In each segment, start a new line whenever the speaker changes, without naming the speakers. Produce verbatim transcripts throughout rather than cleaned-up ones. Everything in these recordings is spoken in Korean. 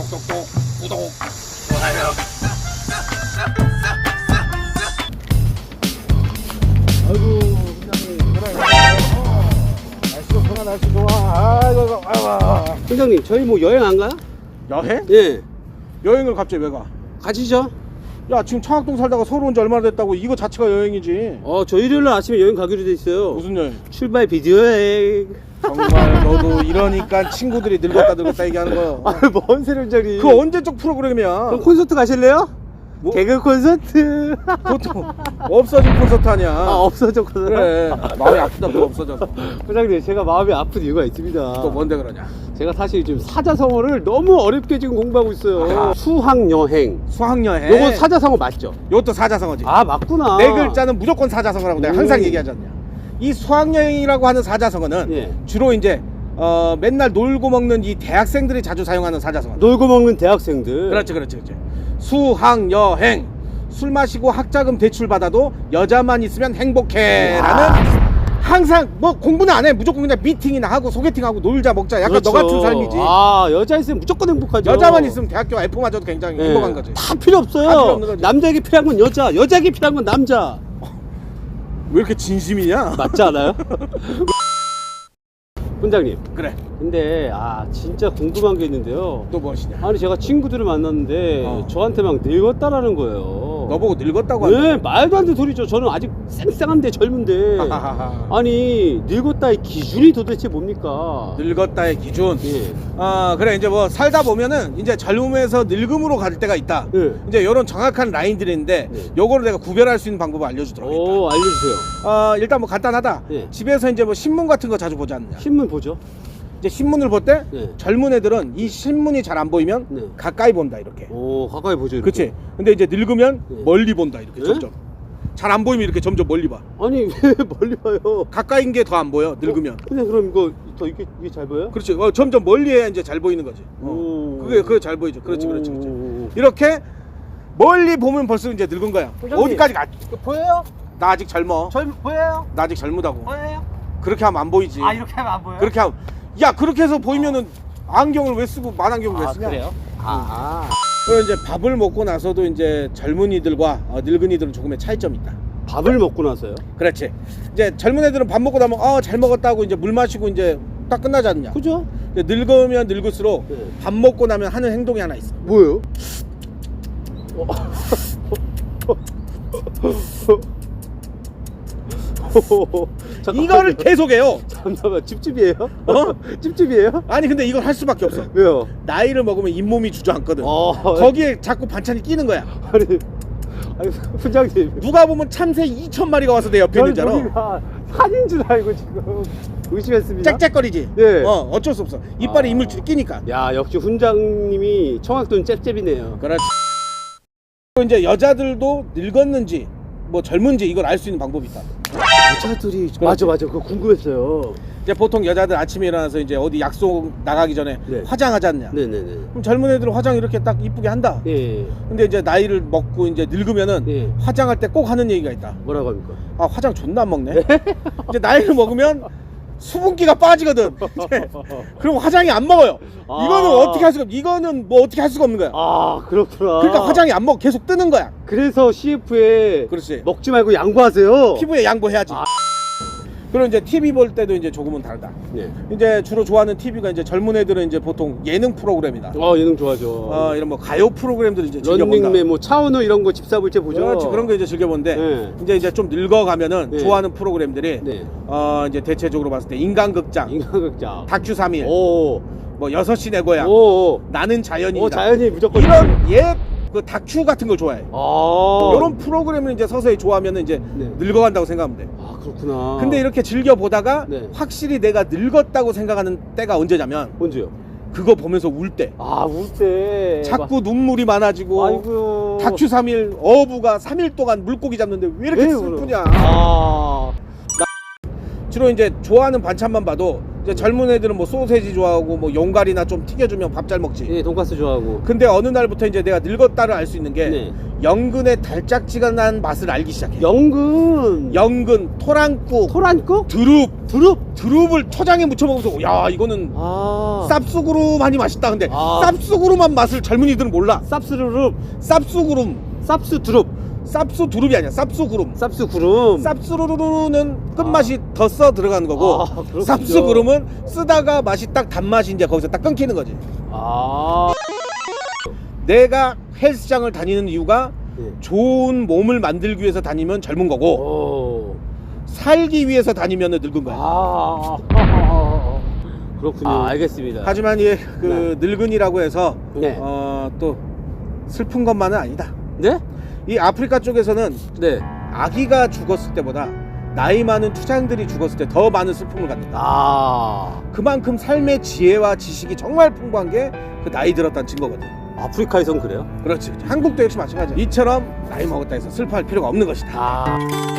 똑똑똑 구독 좋아요.
아이고 팀장님 그래 날씨 좋구나 날씨 좋아. 아이고 아이고.
팀장님 저희 뭐 여행 안 가요?
여행?
예
여행을 갑자기 왜 가?
가시죠.
야 지금 청학동 살다가 서울 온 지 얼마나 됐다고. 이거 자체가 여행이지.
어 저 일요일날 아침에 여행 가기로 돼 있어요.
무슨 여행?
출발 비디오 여행.
정말 너도 이러니까 친구들이 늙었다 늙었다 얘기하는 거야.
아뭔 소리 팀장님.
그 언제적 프로그램이야.
그럼 콘서트 가실래요?
뭐?
개그 콘서트.
그것도 없어진 콘서트 아니야.
아 없어졌거든.
그래 마음이 아프다 그거 없어져서.
부장님 제가 마음이 아픈 이유가 있습니다.
또 뭔데 그러냐.
제가 사실 지금 사자성어를 너무 어렵게 지금 공부하고 있어요.
아.
수학여행.
수학여행.
요거 사자성어 맞죠?
요것도 사자성어지.
아 맞구나.
네 글자는 무조건 사자성어라고 내가 항상
오.
얘기하지 않냐. 이 수학여행이라고 하는 사자성어는
예.
주로 이제 어, 맨날 놀고 먹는 이 대학생들이 자주 사용하는 사자성어.
놀고 먹는 대학생들.
그렇지 그렇지 그렇지. 수학여행. 술 마시고 학자금 대출 받아도 여자만 있으면 행복해라는. 항상 뭐 공부는 안 해. 무조건 그냥 미팅이나 하고 소개팅하고 놀자 먹자. 약간
그렇죠.
너 같은 삶이지.
아 여자 있으면 무조건 행복하죠.
여자만 있으면 대학교 에프마저도 굉장히
예.
행복한 거지.
다 필요 없어요.
다 필요 없는 거지.
남자에게 필요한 건 여자, 여자에게 필요한 건 남자.
왜 이렇게 진심이냐?
맞지 않아요? 훈장님.
그래.
근데 아 진짜 궁금한 게 있는데요.
또 무엇이냐?
아니 제가 친구들을 만났는데
어.
저한테 막 늙었다라는 거예요.
너보고 늙었다고
네,
한다.
말도 안 되는 소리죠. 저는 아직 쌩쌩한데 젊은데.
하하하.
아니 늙었다의 기준이 도대체 뭡니까?
늙었다의 기준.
예.
아 그래 이제 뭐 살다 보면은 이제 젊음에서 늙음으로 갈 때가 있다.
예.
이제 이런 정확한 라인들이 있는데
네.
요거를 내가 구별할 수 있는 방법을 알려주도록 하겠다.
오 알려주세요.
아 일단 뭐 간단하다.
예.
집에서 이제 뭐 신문 같은 거 자주 보지 않느냐.
신문 보죠.
이제 신문을 볼 때
네.
젊은 애들은 이 신문이 잘 안 보이면
네.
가까이 본다 이렇게.
오 가까이 보죠. 이렇게.
그렇지. 근데 이제 늙으면
네.
멀리 본다 이렇게
네?
점점. 잘 안 보이면 이렇게 점점 멀리 봐.
아니 왜 멀리 봐요?
가까이인 게 더 안 보여 늙으면.
어? 근데 그럼 이거 더 이게 이게 잘 보여요?
그렇지. 어, 점점 멀리 해야 이제 잘 보이는 거지. 어.
오.
그게 그게 잘 보이죠. 그렇지, 그렇지, 그렇지.
오.
이렇게 멀리 보면 벌써 이제 늙은 거야.
부장님.
어디까지 가?
보여요?
나 아직 젊어.
젊 보여요?
나 아직 젊다고.
보여요?
그렇게 하면 안 보이지.
아 이렇게 하면 안 보여요?
그렇게 하면 야 그렇게 해서 보이면은 안경을 왜 쓰고 만안경을 왜
아
쓰냐?
그래요? 아.
그리고 이제 밥을 먹고 나서도 이제 젊은이들과 어, 늙은이들은 조금의 차이점이 있다.
밥을 먹고 나서요?
그렇지. 이제 젊은 애들은 밥 먹고 나면 어잘 먹었다고 이제 물 마시고 이제 딱 끝나지 않냐?
그죠?
이제 늙으면 늙을수록
네.
밥 먹고 나면 하는 행동이 하나 있어.
뭐예요? 잠깐만요.
이거를 계속해요.
잠깐만 찝찝이에요?
어?
찝찝이에요?
아니 근데 이걸 할 수밖에 없어.
왜요?
나이를 먹으면 잇몸이 주저앉거든.
어.
거기에 자꾸 반찬이 끼는 거야.
아니, 아니 훈장님.
누가 보면 참새 이천 마리가 와서 내 옆에 있는 줄 알아.
저희가 산인 줄 알고 지금 의심했습니다.
짹짹거리지.
네.
어 어쩔 수 없어. 이빨에
아.
이물질이 끼니까.
야 역시 훈장님이 청학돈 잽잽이네요.
그렇지. 또 이제 여자들도 늙었는지 뭐 젊은지 이걸 알 수 있는 방법이 있다.
여자들이 맞아 맞아 그거 궁금했어요.
이제 보통 여자들 아침에 일어나서 이제 어디 약속 나가기 전에
네.
화장하지 않냐.
네네네.
그럼 젊은 애들은 화장 이렇게 딱 이쁘게 한다.
예.
근데 이제 나이를 먹고 이제 늙으면은
예.
화장할 때 꼭 하는 얘기가 있다.
뭐라고 합니까?
아 화장 존나 안 먹네. 이제 나이를 먹으면 수분기가 빠지거든. 이제 그럼 화장이 안 먹어요.
아.
이거는 어떻게 할 수가 없. 이거는 뭐 어떻게 할 수가 없는 거야.
아 그렇구나.
그러니까 화장이 안 먹어. 계속 뜨는 거야.
그래서 씨에프에
그렇지.
먹지 말고 양보하세요.
피부에 양보해야지.
아.
그리고 이제 티비 볼 때도 이제 조금은 다르다.
네.
이제 주로 좋아하는 티비가 이제 젊은 애들은 이제 보통 예능 프로그램이다.
어 예능 좋아하죠.
어 이런 뭐 가요 프로그램들 이제 즐겨본다.
런닝맨 뭐 차은우 이런 거 집사불체 보죠.
그렇지 그런 거 이제 즐겨보는데
네.
이제 이제 좀 늙어가면은
네.
좋아하는 프로그램들이
네.
어 이제 대체적으로 봤을 때 인간극장,
인간극장.
다큐 삼 일,
오.
뭐 여섯 시 내 고향,
오.
나는 자연이다.
오 자연이 무조건
이런 옛 그 다큐 같은 걸 좋아해.
아.
이런 프로그램을 이제 서서히 좋아하면 이제
네.
늙어간다고 생각하면 돼.
아 그렇구나.
근데 이렇게 즐겨 보다가
네.
확실히 내가 늙었다고 생각하는 때가 언제냐면
언제요?
그거 보면서 울 때.
아 울 때.
자꾸 눈물이 많아지고
아이고.
다큐 삼 일 어부가 삼 일 동안 물고기 잡는데 왜 이렇게
왜
슬프냐.
울어? 아.
주로 이제 좋아하는 반찬만 봐도 이제 젊은 애들은 뭐 소세지 좋아하고 뭐 용갈이나 좀 튀겨주면 밥 잘 먹지.
예, 돈가스 좋아하고.
근데 어느 날부터 이제 내가 늙었다를 알 수 있는 게
네.
연근의 달짝지근한 맛을 알기 시작해.
연근.
연근, 토랑국,
토란국?
드룹,
두릅.
드룹을 초장에 묻혀 먹으면서 야 이거는
아.
쌉수구름하니 맛있다. 근데
아.
쌉수구름한 맛을 젊은이들은 몰라.
쌉스르륵.
쌉수구름,
쌉스 두릅.
쌉수 두릅이 아니야. 쌉수구름.
쌉스 구름.
쌉수루루는 끝맛이 더 써 들어가는 거고
아, 그렇군요.
쌉수구름은 쓰다가 맛이 딱 단맛이 이제 거기서 딱 끊기는 거지.
아.
내가 헬스장을 다니는 이유가
네.
좋은 몸을 만들기 위해서 다니면 젊은 거고
오.
살기 위해서 다니면 늙은 거야.
아. 그렇군요. 아, 알겠습니다.
하지만 이그 늙은이라고 해서
네.
어, 또 슬픈 것만은 아니다.
네?
이 아프리카 쪽에서는
네.
아기가 죽었을 때보다 나이 많은 투장들이 죽었을 때 더 많은 슬픔을 갖는다.
아.
그만큼 삶의 지혜와 지식이 정말 풍부한 게 그 나이 들었다는 증거거든.
아프리카에선 그래요?
그렇지. 한국도 역시 마찬가지야. 이처럼 나이 먹었다 해서 슬퍼할 필요가 없는 것이다.
아.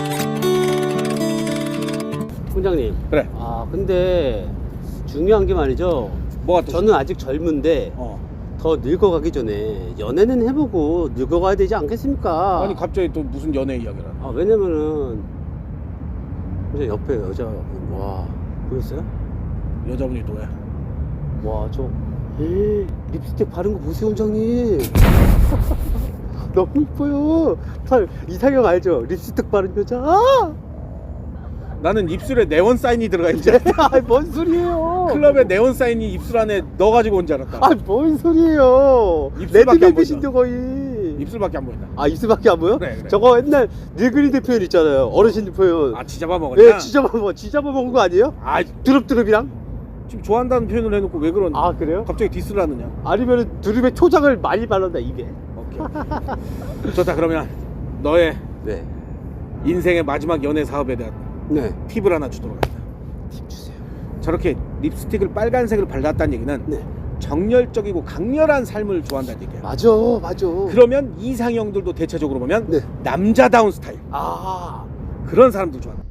훈장님.
그래.
아, 근데 중요한 게 말이죠.
뭐가 또?
저는 아직 젊은데
어.
더 늙어가기 전에 연애는 해보고 늙어가야 되지 않겠습니까?
아니 갑자기 또 무슨 연애 이야기를 하나?
아, 왜냐면은 이제 옆에 여자 와 보였어요?
여자분이 또 왜?
와 저 립스틱 바른 거 보세요, 원장님. 너무 이뻐요. 살 이상형 알죠? 립스틱 바른 여자. 아!
나는 입술에 네온 사인이 들어가 있지.
뭔 소리예요?
클럽에 네온 사인이 입술 안에 넣어가지고 온 줄 알았다.
아, 뭔 소리예요?
입술밖에 안
레드벨벳인데
보인다.
거의.
입술밖에 안 보인다.
아, 입술밖에 안 보여?
그래, 그래.
저거 옛날 늙은이들 표현 있잖아요. 어르신들 표현.
아 지잡아 먹었냐?
예, 지잡아 먹, 지잡아 먹은 거 아니에요?
아
드릅드릅이랑?
지금 좋아한다는 표현을 해놓고 왜 그런?
아, 그래요?
갑자기 디스를 하느냐?
아니면은 두릅에 초장을 많이 발랐다 입에.
오케이. 오케이. 좋다. 그러면 너의
네.
인생의 마지막 연애 사업에 대한
네.
팁을 하나 주도록 하겠다.
팁 주세요.
저렇게 립스틱을 빨간색을 발랐다는 얘기는
네.
정열적이고 강렬한 삶을 좋아한다는 얘기야.
맞아, 맞아.
그러면 이상형들도 대체적으로 보면
네.
남자다운 스타일
아.
그런 사람들 좋아한다.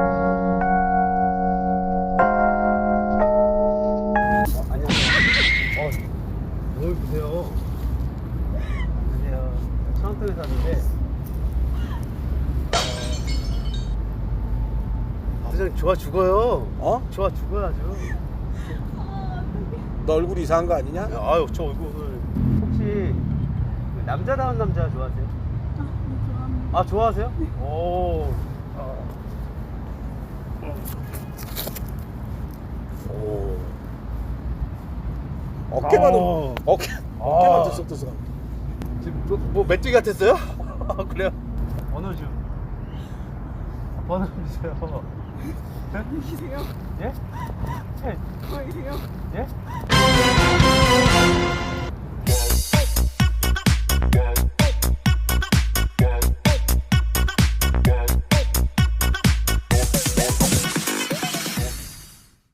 안녕하세요. 어, 뭘 보세요? 안녕하세요. 천안동에 사는데. 어, 선생님 좋아 죽어요.
어?
좋아 죽어요 아주.
너 얼굴 이상한 거 아니냐?
아유 저 얼굴. 혹시 그 남자다운 남자 좋아하세요? 아 좋아하세요? 오. 어. 오.
어깨만
어.
어깨 어깨만 들썩들썩.
지금 뭐, 뭐 메뚜기 같았어요? 아, 그래요? 번호 좀. 아, 번호 좀 주세요.
계세요?
예? 예?
보이세요?
예?